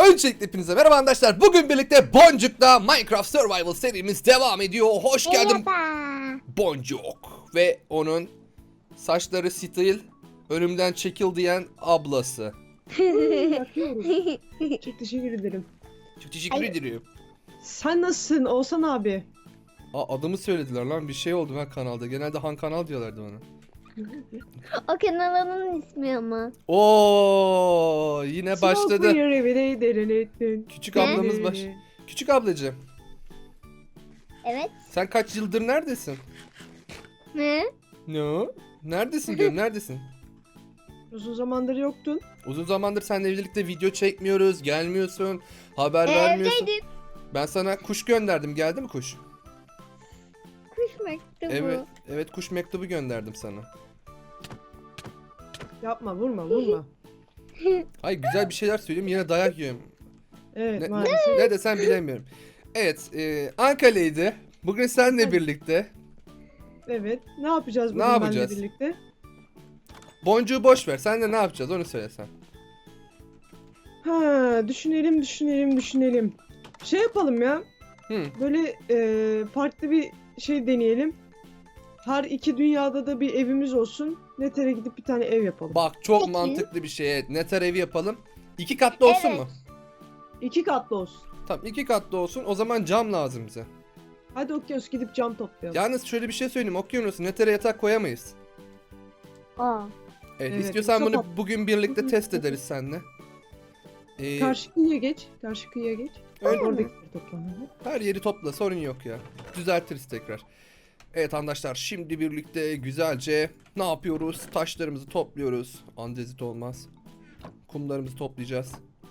Öncelikle hepinize merhaba arkadaşlar. Bugün birlikte Boncuk'la Minecraft Survival serimiz devam ediyor. Hoş geldin Merhaba. Boncuk. Ve onun saçları stil, önümden çekil diyen ablası. Yapıyorum. Çok teşekkür ederim. Çok teşekkür ederim. Sen nasılsın Oğuzhan abi? Adımı söylediler lan, bir şey oldu ben kanalda. Genelde Han Kanal diyorlardı bana. O kanalının ismi ama. Oo, yine başladı. Küçük ablamız baş. Küçük ablacığım, Evet. sen kaç yıldır neredesin? Ne? Ne? Neredesin diyorum, neredesin? Uzun zamandır yoktun. Uzun zamandır seninle birlikte video çekmiyoruz, gelmiyorsun, haber vermiyorsun. Evdeydim. Ben sana kuş gönderdim, geldi mi kuş? Kuş mektubu. Evet, evet, kuş mektubu gönderdim sana. Yapma, vurma. Hayır, güzel bir şeyler söyleyeyim, yine dayak yiyorum. Evet, maalesef. Ne desem bilemiyorum. Evet, Ankara'ydı. Bugün seninle birlikte. Evet. Ne yapacağız Ne bugün yapacağız? benimle birlikte? Boncuğu boş ver, senle ne yapacağız onu söylesen. Ha, düşünelim. Şey yapalım ya. Hı. Böyle farklı bir şey deneyelim. Her iki dünyada da bir evimiz olsun. Neter'e gidip bir tane ev yapalım. Bak, çok Peki. mantıklı bir şey. Evet, Neter evi yapalım. 2 katlı olsun Evet. mu? 2 katlı olsun. Tamam, 2 katlı olsun. O zaman cam lazım bize. Hadi okyanus gidip cam toplayalım. Yalnız şöyle bir şey söyleyeyim. Okyanusu Neter'e yatak koyamayız. Aa. Evet, Evet, istiyorsan çok bunu haklı. bugün birlikte test ederiz seninle. Karşı kıyıya geç. Öyle- Oradakileri toplayalım. Her yeri topla, sorun yok ya. Düzeltiriz tekrar. Evet arkadaşlar, şimdi birlikte güzelce ne yapıyoruz? Taşlarımızı topluyoruz. Andezit olmaz. Kumlarımızı toplayacağız.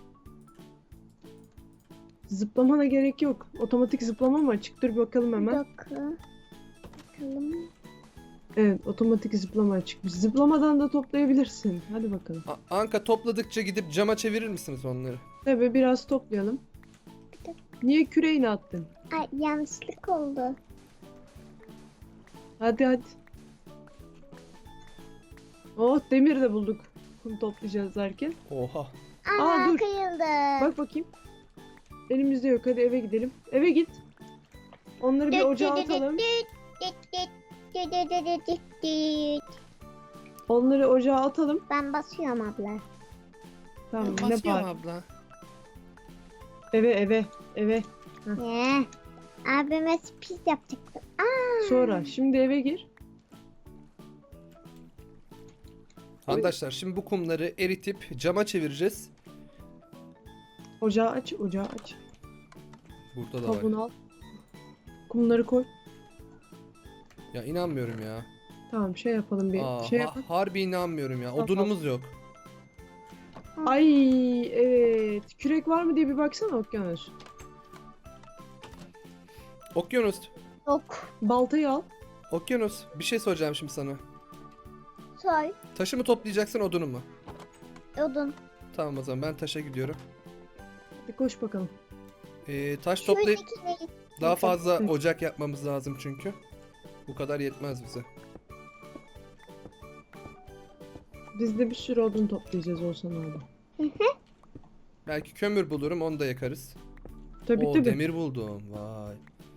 Zıplamana gerek yok. Otomatik zıplama mı açık? Dur bakalım Bir hemen. dakika. Bakalım. Evet, otomatik zıplama açık. Zıplamadan da toplayabilirsin. Hadi bakalım. Anka, topladıkça gidip cama çevirir misiniz onları? Tabii biraz toplayalım. Niye küreğini attın? Ay, yanlışlık oldu. Hadi. Oh, demir de bulduk. Kum toplayacağız derken. Oha. Ana dur. kıyıldı. Bak bakayım. Elimizde yok. Hadi eve gidelim. Eve git. Onları bir ocağa atalım. Onları ocağa atalım. Ben basıyorum abla. Tamam, ne Basıyorum var? abla. Eve. Ne? Abime sürpriz yapacaktım. Aa. Sonra. Şimdi eve gir. Arkadaşlar, şimdi bu kumları eritip cama çevireceğiz. Ocağı aç. Burada da var. Tavuğunu al. Kumları koy. Ya inanmıyorum ya. Tamam, şey yapalım bir. Şey yapalım. Harbi inanmıyorum ya. Tamam. Odunumuz yok. Ay evet. Kürek var mı diye bir baksana okyanus. Okyanus. Yok. Baltayı al. Okyanus. Bir şey soracağım şimdi sana. Soy. Taşı mı toplayacaksın, odunu mu? Odun. Tamam, o zaman ben taşa gidiyorum. Hadi koş bakalım. Taş toplayıp Şuradakine git. daha fazla Hı. ocak yapmamız lazım çünkü. Bu kadar yetmez bize. Biz de bir sürü odun toplayacağız Oğuzhan abi. Belki kömür bulurum, onu da yakarız. Tabii Oo, tabii. demir buldum. Vay.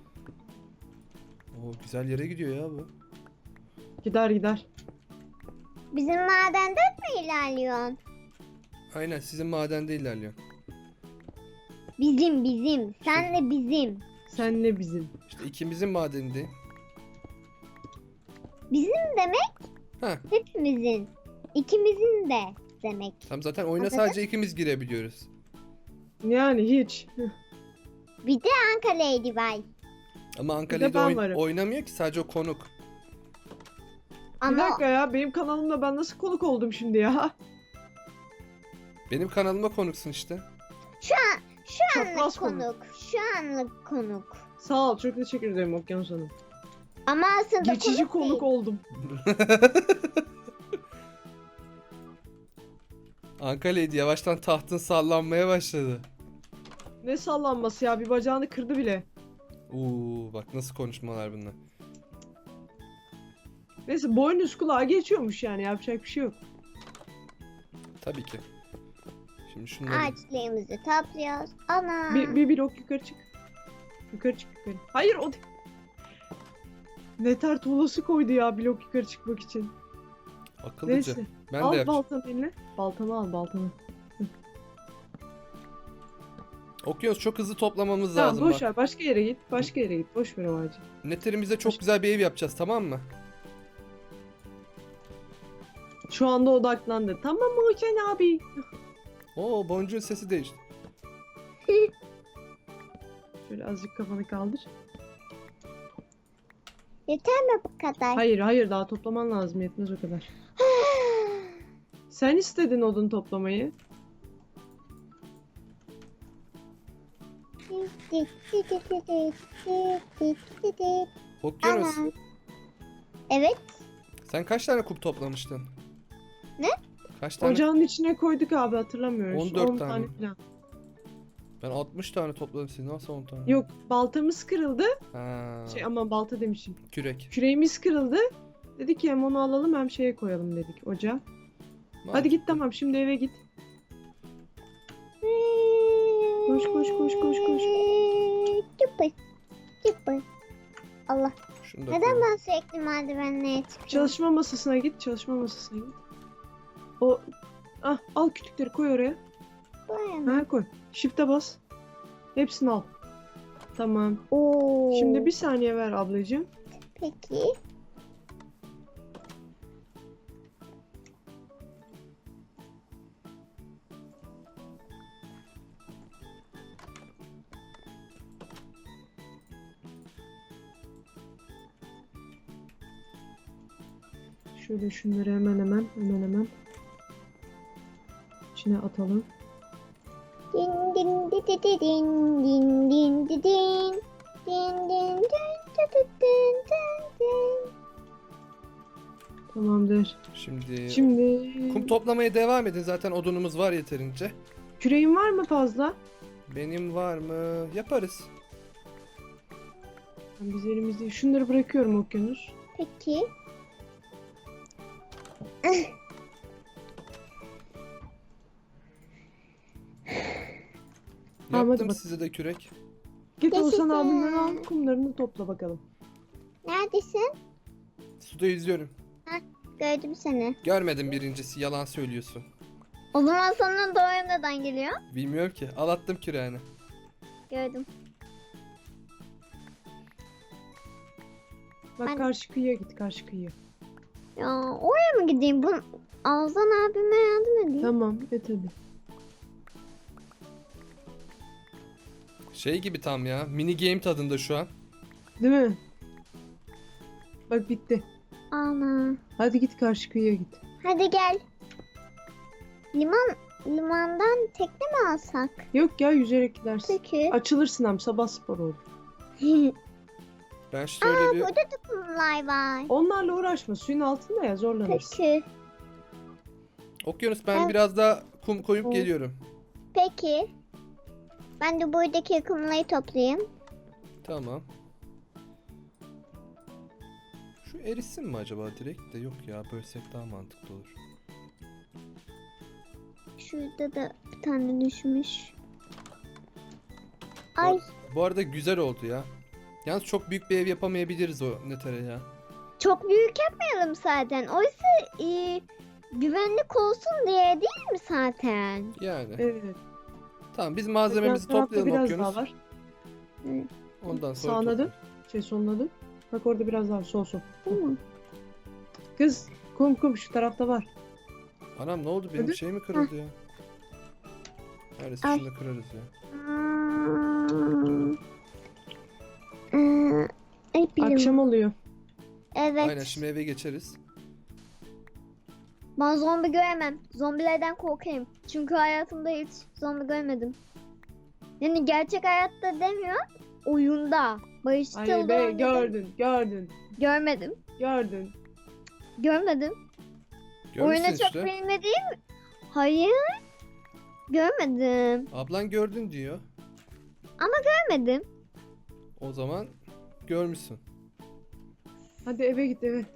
Oo, güzel yere gidiyor ya bu. Gider. Bizim madenden mi ilerliyorsun? Aynen, sizin madende ilerliyor. Bizim. Senle bizim. Senle bizim. İşte ikimizin madeninde. Bizim demek Ha, hepimizin. İkimizin de demek. tam zaten oyuna Anladın? sadece ikimiz girebiliyoruz. Yani hiç. Bir de Anka Ladybug. Ama Bir Ankara'da de ben varım. oynamıyor ki, sadece o konuk. Bir Ama dakika ya, benim kanalımda ben nasıl konuk oldum şimdi ya? Benim kanalıma konuksun işte. şu anlık Çapraz konuk. Şu anlık konuk. Sağ ol, çok teşekkür ederim Okyanus Hanım. Ama aslında Geçici konuk değil. oldum. Ankara'ydı, yavaştan tahtın sallanmaya başladı. Ne sallanması ya, bir bacağını kırdı bile. Bak nasıl konuşmalar bunlar. Neyse, boynuz kulağa geçiyormuş yani, yapacak bir şey yok. Tabii ki. Şimdi şunları. Ağaçlarımızı topluyoruz. Ana. Bir blok yukarı çık. Yukarı çık yukarı. Hayır o değil. Neter tuğlası koydu ya blok yukarı çıkmak için. Akıllıca. Neyse. Ben de Al yapacağım. baltanı eline. Baltanı al baltanı. Okyanus çok hızlı toplamamız Tamam lazım boş bak. ver başka yere git. Başka yere git. Boş ver o ağacı. Netlerimize çok güzel bir ev yapacağız, tamam mı? Şu anda odaklandı. Tamam mı Okan abi? Oo, boncuğun sesi değişti. Şöyle azıcık kafanı kaldır. Yeter mi bu kadar? Hayır hayır daha toplaman lazım yetmez o kadar. Sen istedin odun toplamayı. Okyanus, Ana. Evet. sen kaç tane kup toplamıştın? Ne? Kaç tane? Ocağın içine koyduk abi hatırlamıyoruz. 14 10 tane. falan. Ben 60 tane topladım, siz nasıl 10 tane? Yok baltamız kırıldı. Ha, Aman balta demişim. kürek. Küreğimiz kırıldı. Dedik ki hem onu alalım hem şeye koyalım dedik ocağa. Hadi git tamam şimdi eve git. Koş, koş, koş, koş, koş. Çıpır. Çıpır. Allah. Şunu da Neden koyalım. ben sürekli merdivenlere çıkıyorum? Çalışma masasına git. Çalışma masasına git. O al kütükleri koy oraya. Böyle mi? Ha koy. Shift'e bas. Hepsini al. Tamam. Oo. Şimdi bir saniye ver ablacığım. Peki. Şöyle şunları hemen içine atalım. Din din di di di din din din di din. Din din din di di din din din. Tamamdır. Şimdi kum Şimdi toplamaya devam edin, zaten odunumuz var yeterince. küreğin var mı fazla? Benim var mı? Yaparız. Biz elimizde şunları bırakıyorum Okyanus. Peki. Tamam, hadi Yaptım bak. size de kürek. Git Oğuzhan Yaşasın. abinden al kumlarını topla bakalım. Neredesin? Suda yüzüyorum. Gördüm seni. Görmedim, birincisi yalan söylüyorsun. O zaman sana doğru neden geliyor? Bilmiyorum ki. Al attım küreğini. Gördüm. Bak Ben- karşı kıyıya git karşı kıyıya. Ya oraya mı gideyim? Bu Alzan abime yardım edeyim. Tamam et hadi. Şey gibi tam ya. Mini game tadında şu an. Değil mi? Bak bitti. Ana. Hadi git karşı kıyıya git. Hadi gel. Limandan tekne mi alsak? Yok ya yüzerek gidersin. Peki. Açılırsın hem sabah spor olur. Ben şöyle bir... Burada da kumlar var. Onlarla uğraşma suyun altında ya zorlanırsın. Peki. Okyanus, ben Ben- biraz daha kum koyup Hı. geliyorum. Peki. Ben de buradaki kumları toplayayım. Tamam. Şu erisin mi acaba direkt de? Yok ya, bölsek daha mantıklı olur. Şurada da bir tane düşmüş. Ay Bu arada güzel oldu ya. Yalnız çok büyük bir ev yapamayabiliriz o netere ya. çok büyük yapmayalım zaten. Oysa güvenlik olsun diye değil mi zaten? Yani. Evet. Tamam, biz malzememizi Yan tarafta toplayalım biraz Okyanus. daha var. Ondan sonra Sağına dön. toplayalım. Soluna dön. Bak orada biraz daha sol. Değil mi? Kız kum şu tarafta var. Anam ne oldu, benim Hadi. şey mi kırıldı ya? Neredeyse Ay. şunu da kırarız ya. Ay bilim. Akşam oluyor. Evet. Aynen, şimdi eve geçeriz. Ben zombi göremem. Zombilerden korkarım. Çünkü hayatımda hiç zombi görmedim. Yani gerçek hayatta demiyor. Oyunda. Barışçıl Ay be oynadım. gördün. Görmedim. Görmedim. Oyuna Görmüşsün çok işte. bilmediğim. Hayır. Görmedim. Ablan gördün diyor. Görmedim. O zaman görmüşsün. Hadi eve git eve.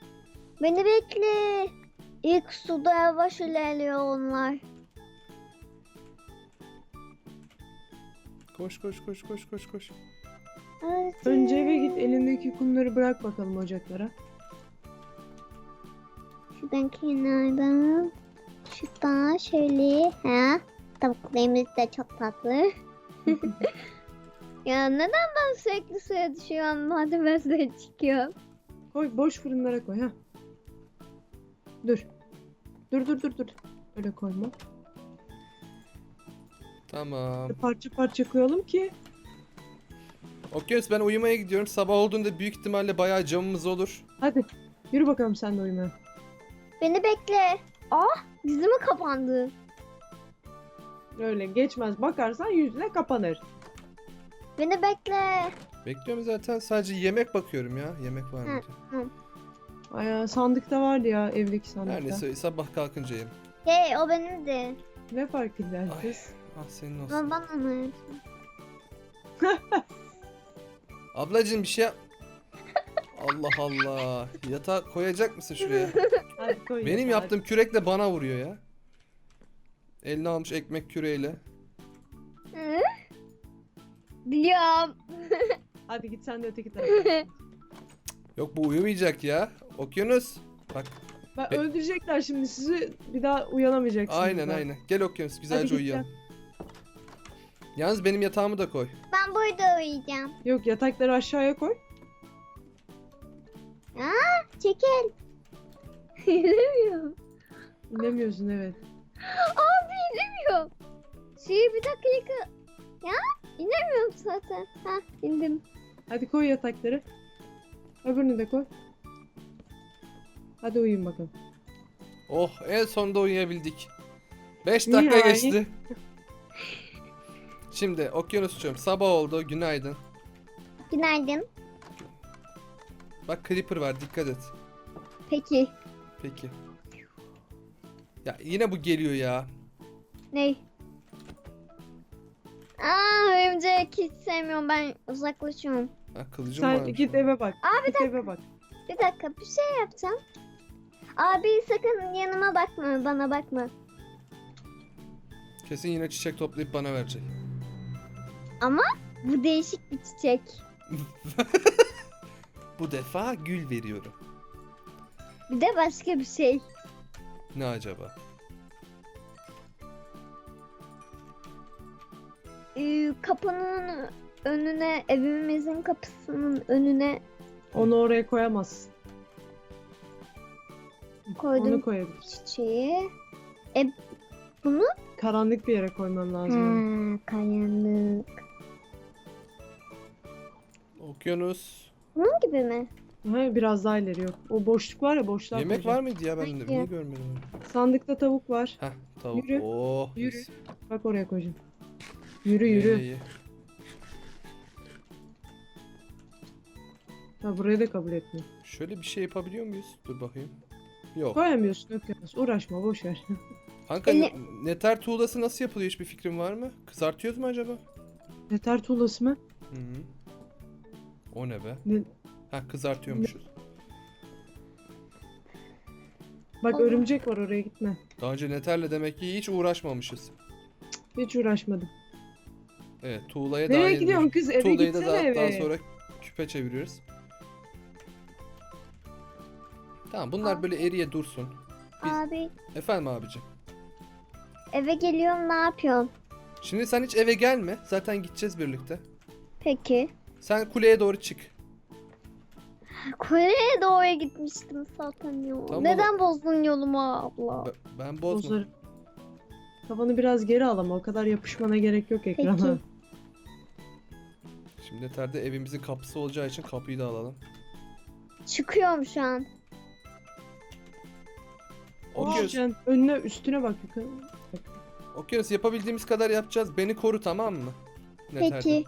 Beni bekle. İlk suda yavaş ilerliyor onlar. Koş koş koş koş koş koş. Önce eve git, elindeki kumları bırak bakalım ocaklara. Şuradan kenardan. Şuradan şöyle. Ha? Tavuklarımız da çok tatlı. Ya neden ben sürekli suya düşüyorum madem ben suya çıkıyorum? Koy, boş fırınlara koy ha. Dur. Dur. Öyle koyma. Tamam. Parça parça koyalım ki. Okyanus, ben uyumaya gidiyorum. Sabah olduğunda büyük ihtimalle bayağı camımız olur. Hadi. Yürü bakalım sen de uyumaya. Beni bekle. Ah dizimi kapandı. Öyle geçmez. Bakarsan yüzüne kapanır. Beni bekle. Bekliyorum zaten. Sadece yemek bakıyorum ya. Yemek var mı diye. Ay, sandıkta vardı ya, evdeki sandıkta. Her neyse sabah kalkınca yerim. Hey o benimdi. Ne fark eder Ay. kız? Ah senin olsun. Ama bana mı? Ablacığım bir şey yap. Allah Allah. Yatağa koyacak mısın şuraya? Hadi koy. Benim yatağa. yaptığım kürekle bana vuruyor ya. Eline almış ekmek küreğiyle. Hı? Biliyorum. Hadi git sen de öteki tarafa. Yok bu uyumayacak ya. Okyanus. Bak Öldürecekler şimdi sizi, bir daha uyanamayacaksınız. aynen daha. aynen. Gel Okyanus güzelce Hadi git uyuyalım. Yalnız benim yatağımı da koy. Ben burada uyuyacağım. Yok, yatakları aşağıya koy. Çekil. İnemiyorum. İnemiyorsun evet. Abi inemiyorum. Suyu bir dakika. Ya inemiyorum zaten. Ha indim. Hadi koy yatakları. Öbürünü de koy. Hadi uyuyun bakalım. Oh en sonunda uyuyabildik. 5 dakika Nihayet. geçti. Şimdi Okyanus'cuğum sabah oldu. Günaydın. Günaydın. Bak Creeper var dikkat et. Peki. Peki. Ya yine bu geliyor ya. Ney? Örümcek hiç sevmiyorum, ben uzaklaşıyorum. Ha, kılıcım Sen varmış. git eve bak. Abi Git eve bak. Bir dakika bir şey yapacağım. Abi sakın yanıma bakma, bana bakma. Kesin yine çiçek toplayıp bana verecek. Bu değişik bir çiçek. Bu defa gül veriyorum. Bir de başka bir şey. Ne acaba? Kapının önüne, evimizin kapısının önüne Onu oraya koyamazsın. koydum Onu koyabilirsin. çiçeği. Karanlık bir yere koymam lazım. Kayanlık. Okyanus. Bunun gibi mi? Ha, biraz daha ileri yok. O boşluk var ya, boşluğa Yemek koyacağım. var mıydı ya ben de Hayır. niye görmedim onu? Sandıkta tavuk var. Heh tavuk. Yürü, Oh, yürü. mis. Bak oraya koyacağım. Yürü İyi, yürü. iyi. Ha, burayı da kabul etmiyor. Şöyle bir şey yapabiliyor muyuz? Dur bakayım. Yok. Koyamıyorsun, yok. Uğraşma, boş ver. Kanka Ele- neter tuğlası nasıl yapılıyor, hiçbir fikrin var mı? Kızartıyoruz mu acaba? Yeter tuğlası mı? Hı hı. O ne be? Ne? Ha kızartıyormuşuz. Bak Allah. örümcek var, oraya gitme. Daha önce neterle demek ki hiç uğraşmamışız. Hiç uğraşmadım. Evet tuğlaya Nereye daha gidiyorsun kız? Eve Tuğlayı da gitsene eve. daha sonra küpe çeviriyoruz. Tamam bunlar böyle eriye dursun. Biz- Abi Efendim abicim. eve geliyorum, ne yapıyorsun? Şimdi sen hiç eve gelme. Zaten gideceğiz birlikte. Peki. Sen kuleye doğru çık. Kore'ye doğru gitmiştim zaten ya. Tamam Neden bozdun yolumu abla? Ben bozma. Bozarım. Kafanı biraz geri al ama o kadar yapışmana gerek yok ekrana. Peki. Şimdi neterde evimizin kapısı olacağı için kapıyı da alalım. Çıkıyorum şu an. Okyanus, Düşeceksin. Önüne üstüne bak yukarı. Okyanus yapabildiğimiz kadar yapacağız. Beni koru tamam mı? Neter'den. Peki.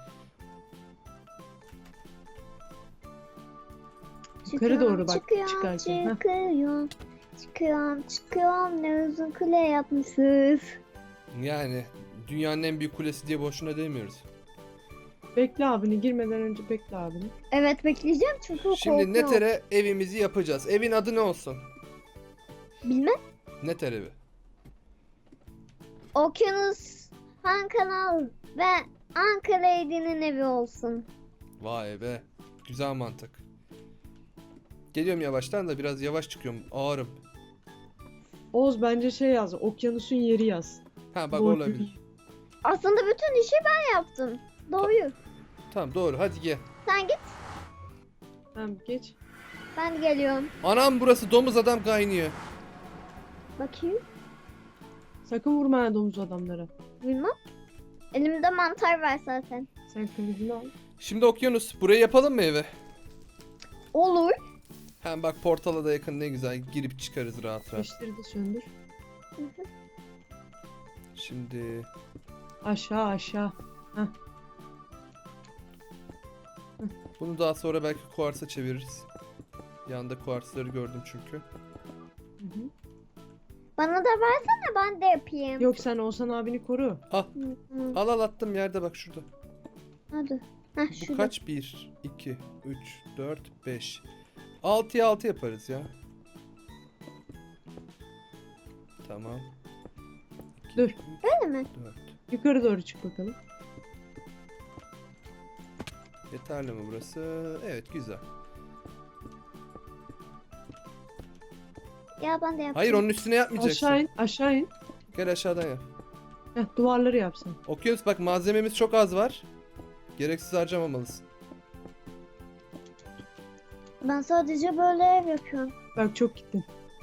Yukarı doğru bak, Çıkıyorum, çıkarken, heh. çıkıyorum. Çıkıyorum. Ne uzun kule yapmışız. Yani dünyanın en büyük kulesi diye boşuna demiyoruz. Bekle abini, girmeden önce bekle abini. Evet bekleyeceğim çünkü Şimdi korkuyorum. Neter'e evimizi yapacağız. Evin adı ne olsun? Bilmem. Neter evi. Okyanus Han Kanal ve Anka Lady'nin evi olsun. Vay be. Güzel mantık. Geliyorum yavaştan da biraz yavaş çıkıyorum. Ağırım. Oğuz bence şey yaz. Okyanusun yeri yaz. Ha bak Doğru. olabilir. Aslında bütün işi ben yaptım. Doğru. Tamam doğru hadi gel. Sen git. Tamam geç. Ben de geliyorum. Anam burası domuz adam kaynıyor. Bakayım. Sakın vurma ya domuz adamlara. Bilmem. Elimde mantar var zaten. Sen kılıcını al. Şimdi okyanus. Burayı yapalım mı eve? Olur. Hem bak portala da yakın ne güzel. Girip çıkarız rahat rahat. Ateşleri de söndür. Şimdi Aşağı aşağı. bunu daha sonra belki kuarsa çeviririz. Yanında kuarsları gördüm çünkü. Hı hı. Bana da versene ben de yapayım. Yok sen Oğuzhan abini koru. Hı. Al al attım yerde bak şurada. Hadi. Heh, Bu şurada. kaç? 1, 2, 3, 4, 5. 6'ya 6 yaparız ya. Tamam. Dur. Öyle mi? 4. Yukarı doğru çık bakalım. Yeterli mi burası? Evet güzel. Ya ben de yapayım. Hayır onun üstüne yapmayacaksın. Aşağı in. Aşağı in. Gel aşağıdan yap. Heh, duvarları yapsın. Okyanus bak malzememiz çok az var. Gereksiz harcamamalısın. Ben sadece böyle ev yapıyorum. Bak çok gittin.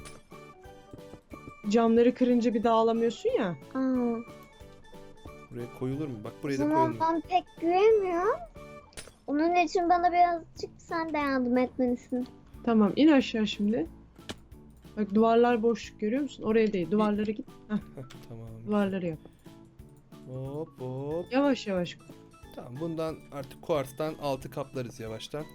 Camları kırınca bir daha alamıyorsun ya. Aa, Buraya koyulur mu? Bak o buraya da zaman koyalım. ben pek güveniyorum. Onun için bana birazcık sen de yardım etmelisin. Tamam in aşağı şimdi. Bak duvarlar boşluk görüyor musun? Oraya değil. Duvarlara git. Heh, Heh, tamam. duvarları yap. Hop hop. Yavaş yavaş. Tamam bundan artık kuartstan altı kaplarız yavaştan.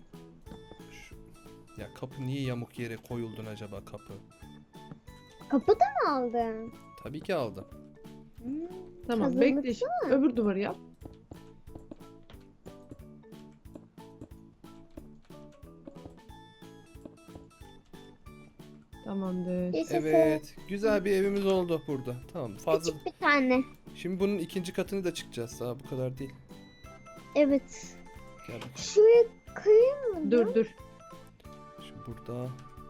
Ya kapı niye yamuk yere koyuldun acaba kapı? Kapı da mı aldın? Tabii ki aldım. Tamam Hazırlıklı bekle şimdi. Öbür duvarı yap. Tamamdır. Yaşasın. Evet. Güzel bir evimiz oldu burada. Tamam fazla. Küçük bir tane. Şimdi bunun ikinci katını da çıkacağız. Daha bu kadar değil. Evet. Gel bakalım. Şuraya kıyayım mı? Dur dur. Şimdi burada.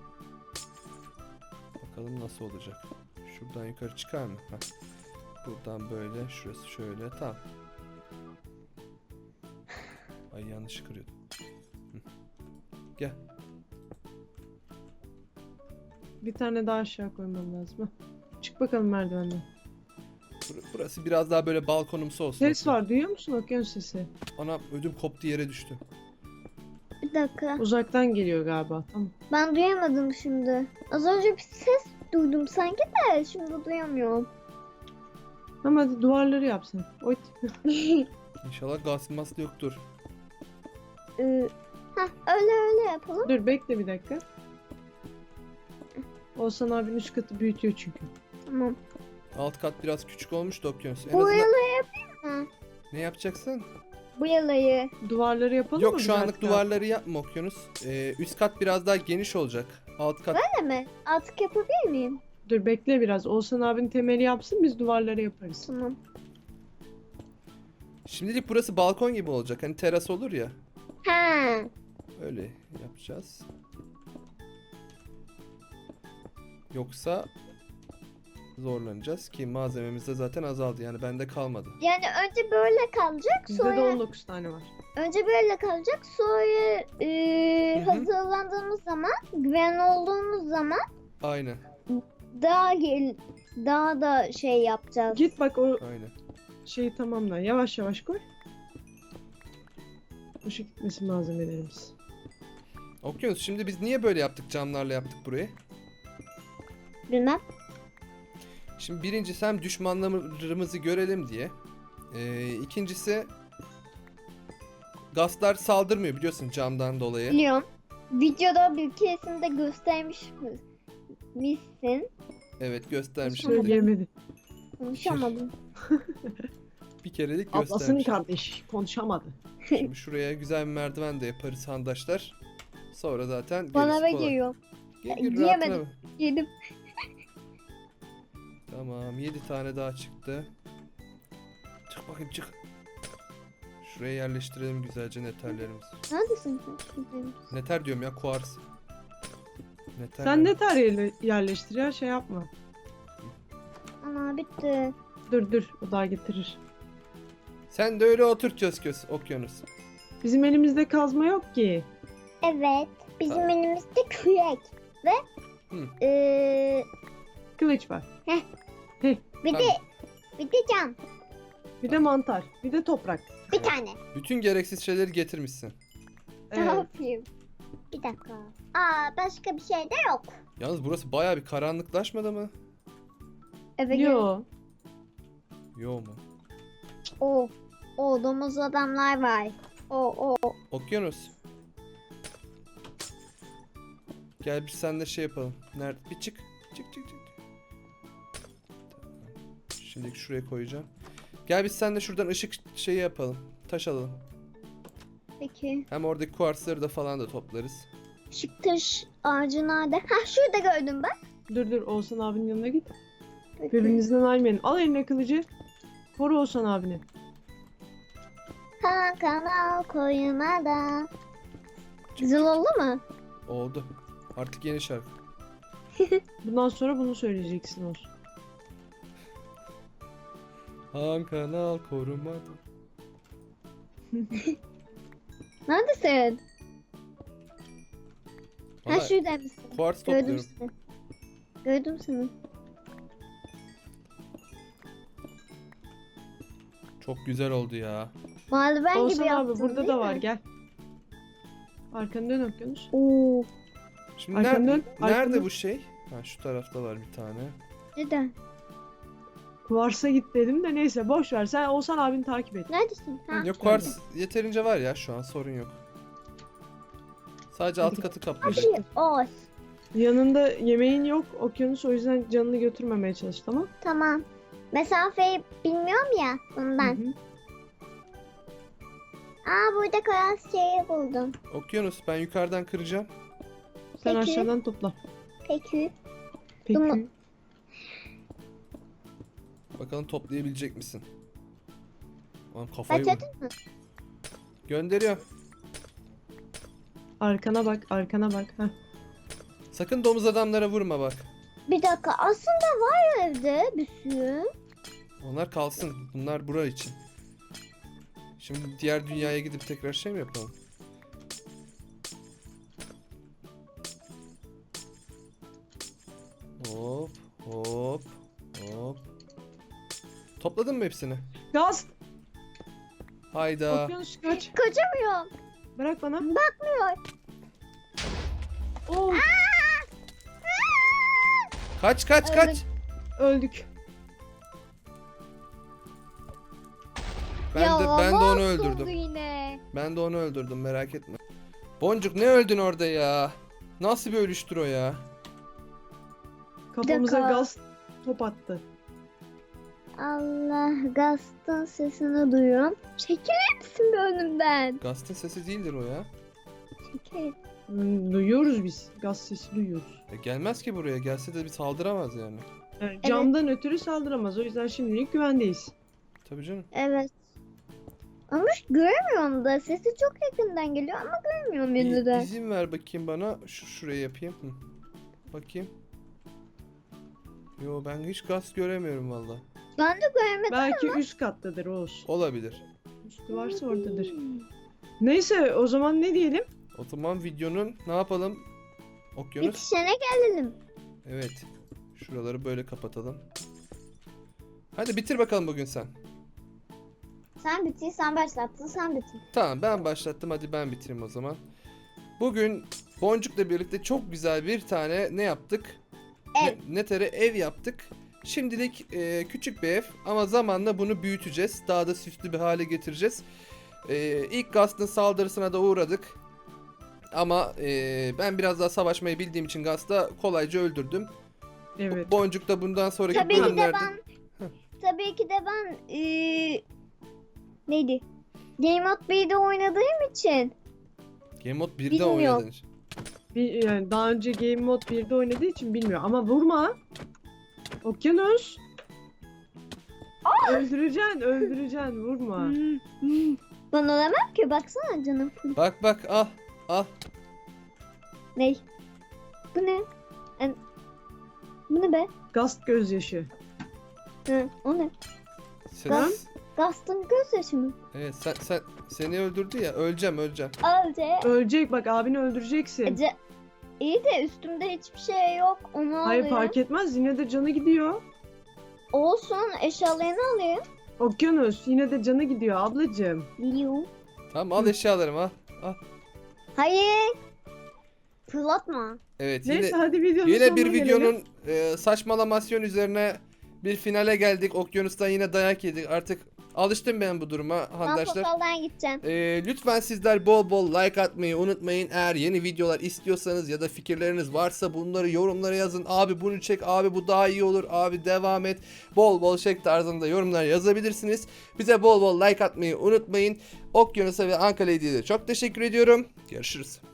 Bakalım nasıl olacak. Şuradan yukarı çıkar mı? Heh. Buradan böyle. Şurası şöyle. Tamam. Ay yanlış kırıyordum. Hı. Gel. Bir tane daha aşağı koymam lazım. Heh. Çık bakalım merdivenden. Burası biraz daha böyle balkonumsu olsun. Ses var duyuyor musun okyanus sesi? Ana ödüm koptu yere düştü. Bir dakika. Uzaktan geliyor galiba. Tamam. Ben duyamadım şimdi. Az önce bir ses duydum sanki de şimdi duyamıyorum. Tamam hadi duvarları yapsın. Oy. İnşallah gaz mask yoktur. Öyle yapalım. Dur bekle bir dakika. Oğuzhan abinin üst katı büyütüyor çünkü. Tamam. Alt kat biraz küçük olmuş da okyanus. En Bu azından yalayı yapayım mı? ne yapacaksın? Bu yalayı. Duvarları yapalım mı? Yok biz şu anlık artık abi? duvarları yapma okyanus. Üst kat biraz daha geniş olacak. Alt kat Öyle mi? Artık yapabilir miyim? Dur bekle biraz. Oğuzhan abinin temeli yapsın biz duvarları yaparız. Tamam. şimdilik burası balkon gibi olacak. Hani teras olur ya. Ha. Öyle yapacağız. Yoksa zorlanacağız ki malzememiz de zaten azaldı. Yani bende kalmadı. Yani önce böyle kalacak Bizde de sonra 19 tane var. önce böyle kalacak sonra Hı hı. hazırlandığımız zaman güvenli olduğumuz zaman Aynen. daha da şey yapacağız. Git bak o Aynen. şeyi tamamla. Yavaş yavaş koy. Boşa gitmesin malzemelerimiz. Okyanus şimdi biz niye böyle yaptık camlarla yaptık burayı? Bilmem. Şimdi birincisi hem düşmanlarımızı görelim diye. İkincisi gazlar saldırmıyor biliyorsun camdan dolayı. Biliyorum. Videoda bir keresinde göstermiş misin? Evet göstermiştim. Söyleyemedi. Konuşamadım. Bir kerelik Ablasının göstermiş. kardeşi konuşamadı. Şimdi şuraya güzel bir merdiven de yaparız handaşlar. Sonra zaten Bana gerisi ve kolay. geliyor. Gel, gel, Giyemedim. rahatına bak. Yedim. Tamam 7 tane daha çıktı. Çık bakayım çık. Şuraya yerleştirelim güzelce neterlerimizi. Neredesin sen? Şuradayım. Neter diyorum ya, kuars. Neter Sen ne tarihe yerleştir ya, şey yapma. Ana bitti. Dur o daha getirir. Sen de öyle otur köz okyanus. Bizim elimizde kazma yok ki. Evet. Bizim Tamam. elimizde kürek. Ve Hı. Kılıç var. bir de Tamam. bir de cam. Bir de mantar. Bir de toprak. Bir tane. Bütün gereksiz şeyleri getirmişsin. Ne Evet. yapayım? Bir dakika. Başka bir şey de yok. Yalnız burası bayağı bir karanlıklaşmadı mı? Eve Yo. Yo mu? O domuz adamlar var. O. Okyanus. Gel biz seninle şey yapalım. Nerede? Bir çık. Çık. Tamam. Şimdi şuraya koyacağım. Gel biz seninle şuradan ışık şeyi yapalım. Taş alalım. Peki. Hem oradaki kuarsları da falan da toplarız. Şıktaş ağacı nerede? Ha şurada gördüm ben. Dur Oğuzhan abinin yanına git. Peki. Birbirinizden ayrılmayın. Al eline kılıcı. Koru Oğuzhan abini. Kanal koymadan. Güzel oldu mu? Oldu. Artık yeni şarkı. Bundan sonra bunu söyleyeceksin Oğuz. Han kanal korumadı. Neredesin? Ha Valla şurada mısın? kuars Gördüm topluyorum. seni. Gördüm seni. Çok güzel oldu ya. Mavi ben gibi Oğuzhan yaptın abi burada değil da mi? var, gel. Arkanı dön Okyanus. Oo. Şimdi Arkanı dön, nerede arkanı dön. bu şey? Ha şu tarafta var bir tane. Neden? Kuvars'a git dedim de neyse boş ver. Sen Oğuzhan abini takip et. Neredesin? Ha. Yok kuars yeterince var ya, şu an sorun yok. Sadece alt katı kaplayacak. Hadi ol. Yanında yemeğin yok Okyanus, o yüzden canını götürmemeye çalış, tamam? Tamam. Mesafeyi bilmiyorum ya ondan. Hı hı. Burada kıyas şeyi buldum. Okyanus ben yukarıdan kıracağım. Sen Peki. aşağıdan topla. Peki. Peki. Tamam. Bakalım toplayabilecek misin? Lan kafayı vur. Başladın mı? Gönderiyorum. Arkana bak. Heh. Sakın domuz adamlara vurma bak. Bir dakika aslında var evde bir sürü. Onlar kalsın. Bunlar bura için. Şimdi diğer dünyaya gidip tekrar şey mi yapalım? Hop. Topladın mı hepsini? Gaz! Hayda. Okyanus kaç. Kaçamıyorum. Bırak bana. Bakmıyor. Oo, Kaç. öldük. Ben de onu mahvoldu öldürdüm. Yine. Ben de onu öldürdüm, merak etme. Boncuk ne öldün orada ya? Nasıl bir ölüştür o ya? Kafamıza dakika. gaz top attı. Allah Gast'ın sesini duyuyorum. Çekilir misin be önümden? Gast'ın sesi değildir o ya. Çekil. Duyuyoruz biz. Gaz sesi duyuyoruz. Gelmez ki buraya. Gelse de bir saldıramaz yani. Yani camdan ötürü saldıramaz. O yüzden şimdilik güvendeyiz. Tabii canım. Evet. Ama göremiyorum da sesi çok yakından geliyor ama görmüyorum yine de. İzin ver bakayım bana. Şuraya yapayım. Hı. Bakayım. Yo ben hiç gaz göremiyorum valla. Ben de göremedim. Belki üst kattadır Oğuz. Olabilir. Üstü varsa oradadır. Neyse o zaman ne diyelim? O zaman videonun ne yapalım? Okyanus. Bitişene gelelim. Evet. Şuraları böyle kapatalım. Hadi bitir bakalım bugün sen. Sen bitir, sen başlattın, sen bitir. Tamam ben başlattım, hadi ben bitireyim o zaman. Bugün Boncuk'la birlikte çok güzel bir tane ne yaptık? Ev. Netere ev yaptık. Şimdilik küçük bir ev ama zamanla bunu büyüteceğiz. Daha da süslü bir hale getireceğiz. İlk Gast'ın saldırısına da uğradık. Ama ben biraz daha savaşmayı bildiğim için Gast'ı kolayca öldürdüm. Evet. Boncuk da bundan sonraki Tabii ki de bölümlerde... Tabii ki de ben neydi? Game Mode 1'de oynadığım için. Game Mode 1'de Bilmiyorum. oynadın. Yani daha önce Game Mode 1'de oynadığı için bilmiyor. Ama vurma. Okyanus. Öldüreceksin. Vurma. Ben olamam ki, baksana canım full. Bak bak, ah ah. Ney? Bu ne? Bu ne be? Gast gözyaşı. Hı, o ne? Sen, Gast'ın gözyaşı mı? evet sen seni öldürdü ya. Öleceğim. Alce. Ölecek bak, abini öldüreceksin. Ece. İyi de üstümde hiçbir şey yok. Onu Hayır, alayım. fark etmez, yine de canı gidiyor. Olsun, eşyalarını alayım. Okyanus yine de canı gidiyor ablacığım. Liu. Tamam, al eşyalarımı al. Hayır. Fırlatma. Evet, Neyse hadi videonun yine sonuna bir gelelim. videonun saçmalamasyon üzerine bir finale geldik. Okyanus'tan yine dayak yedik. Artık alıştım ben bu duruma Ben arkadaşlar. portaldan gideceğim. Lütfen sizler bol bol like atmayı unutmayın. Eğer yeni videolar istiyorsanız ya da fikirleriniz varsa bunları yorumlara yazın. Abi bunu çek, abi bu daha iyi olur, abi devam et. Bol bol çek tarzında yorumlar yazabilirsiniz. Bize bol bol like atmayı unutmayın. Okyanus'a ve Anka Lady'ye de çok teşekkür ediyorum. Görüşürüz.